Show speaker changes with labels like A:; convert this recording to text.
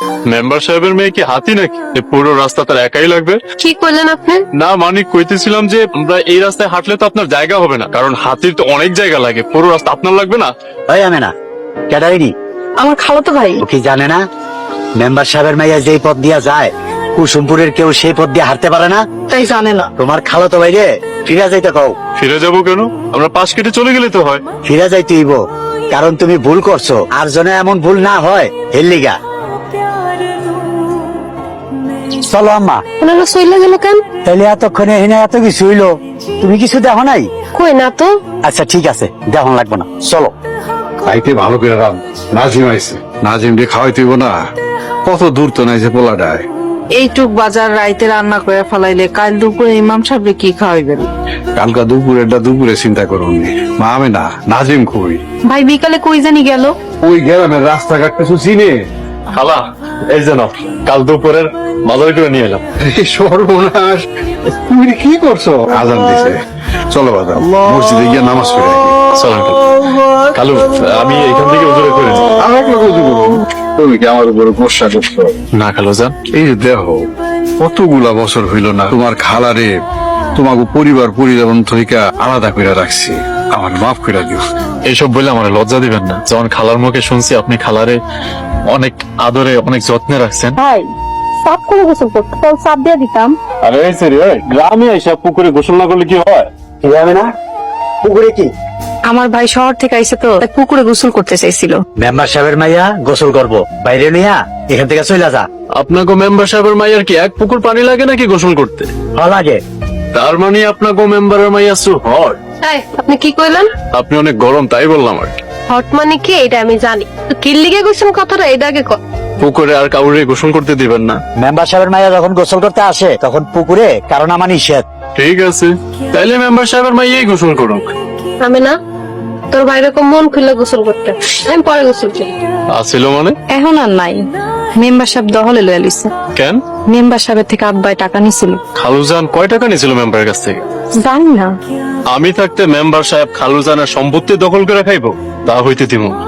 A: Member সাহেবের মেয়ে কি হাতি নাকি যে পুরো রাস্তা তার একাই লাগবে?
B: কি করলেন আপনি?
A: না মানে কইতেছিলাম যে আমরা এই রাস্তায় হাঁটলে তো আপনার জায়গা হবে না, কারণ হাতির তো অনেক জায়গা লাগে, পুরো রাস্তা আপনার লাগবে না।
C: ওই আমি না ক্যাডারিনি
B: আমার খালাতো ভাই।
C: ও কি জানে না মেম্বার সাহেবের মাইয়া যেই পথ দিয়া যায় কুসুমপুরের কেউ সেই পথ দিয়ে হাঁটতে পারে না?
B: তাই জানে না।
C: তোমার খালো তো বাইরে ফিরা যাইতে কও।
A: ফিরে যাবো কেন? আমরা পাশ কেটে চলে গেলে তো হয়।
C: ফিরা যাইতে হইব, কারণ তুমি ভুল করছো, আর জনে এমন ভুল না হয় হেল্লিগা। চলো আম্মা।
B: ওনারা সইলা গেল কেন?
C: তাইলে এতক্ষণে এনে এত কিছু হইলো, তুমি কিছু দেখো নাই?
B: কই না তো।
C: আচ্ছা ঠিক আছে, দেখো লাগবে না, চলো।
D: খাইতে ভালো করে রাম। নাজিম আইছে, নাজিম দিয়ে খাওয়াইতে হইব না। কত দূর তো নাই যে পোলাডায়।
E: এইটুক বাজার রাইতে রান্না করে ফেলাইলে কাল দুপুরে ইমাম সাহেবরে কি খাওয়াইবেন?
D: কালকা দুপুরেরটা দুপুরে চিন্তা করুন। মা আমি না, নাজিম কই?
B: ভাই বিকালে কই জানি গেল।
D: ওই গ্রামের রাস্তাঘাট কিছু চিনে?
A: খালা এই যেন কাল দুপুরের বাজার করে নিয়ে এলাম।
D: এই সর্বনাশ, তুমি এটা কি করছো? আজান দিছে, চলো বাজার মসজিদে গিয়ে নামাজ পড়ে আসি।
A: চলেন কালু, আমি এখান থেকে উজুরে করে নিই।
D: আমার লোক উজু করুন। তুমি কি আমার উপরে গোসা করছো?
A: না খালু যান,
D: এই যে দেখো কতগুলা বছর হইল না তোমার খালারে তোমাকে পরিবার পরিজন থেকে আলাদা করে রাখছি, আমার মাফ করে দিও।
A: এইসব বলে আমার লজ্জা দিবেন না। যখন খালার মুখে শুনছি আপনি খালারে অনেক আদরে অনেক যত্নে রাখছেন।
B: ভাই সাফ করে গোসল করতে তো সাফ দিয়ে দিতাম।
A: আরে গ্রামে এসে পুকুরে গোসল না করলে কি হয়?
C: কি যাবে না পুকুরে? কি
B: আমার ভাই শহর থেকে আইছে তো তাই পুকুরে গোসল করতে চাইছিল।
C: মেম্বার সাহেবের মাইয়া গোসল করবো, বাইরে নিয়া এখান থেকে চলে যা।
A: আপনাকে মেম্বার সাহেবের মাইয়ার কি এক পুকুর পানি লাগে নাকি গোসল করতে?
C: ভালো লাগে।
A: তার মানে আপনাকে মেম্বারের মাইয়া সু হট।
B: এই আপনি কি কইলেন?
A: আপনি অনেক গরম তাই বললাম আর কি।
B: হট মানে কি এটা আমি জানি, তো কিল্লিগে গোসল কথাটা এটা আগে কর।
A: পুকুরে আর কাউরে গোসল করতে দিবেন না।
C: মেম্বার সাহেবের মাইয়া যখন গোসল করতে আসে তখন পুকুরে, কারণ আমার নিষেধ।
A: ঠিক আছে, তাইলে মেম্বার সাহেবের মাইয়াই গোসল করুক।
B: আমি না, তোর ভাই এরকম মন খুলে গোসল করতে, আমি পরে গোসল করি।
A: আসিল মানে?
F: এখন আর নাই। মেম্বার সাহেব দহলে লয়ে লিছে।
A: কেন?
F: মেম্বার সাহেবের থেকে আব্বাই টাকা নিছিল।
A: খালুজান কয় টাকা নিয়েছিল মেম্বারের কাছ থেকে?
F: জানি না।
A: আমি থাকতে মেম্বার সাহেব খালুজানের সম্পত্তি দখল করে খাইবো? তা হইতে দিব।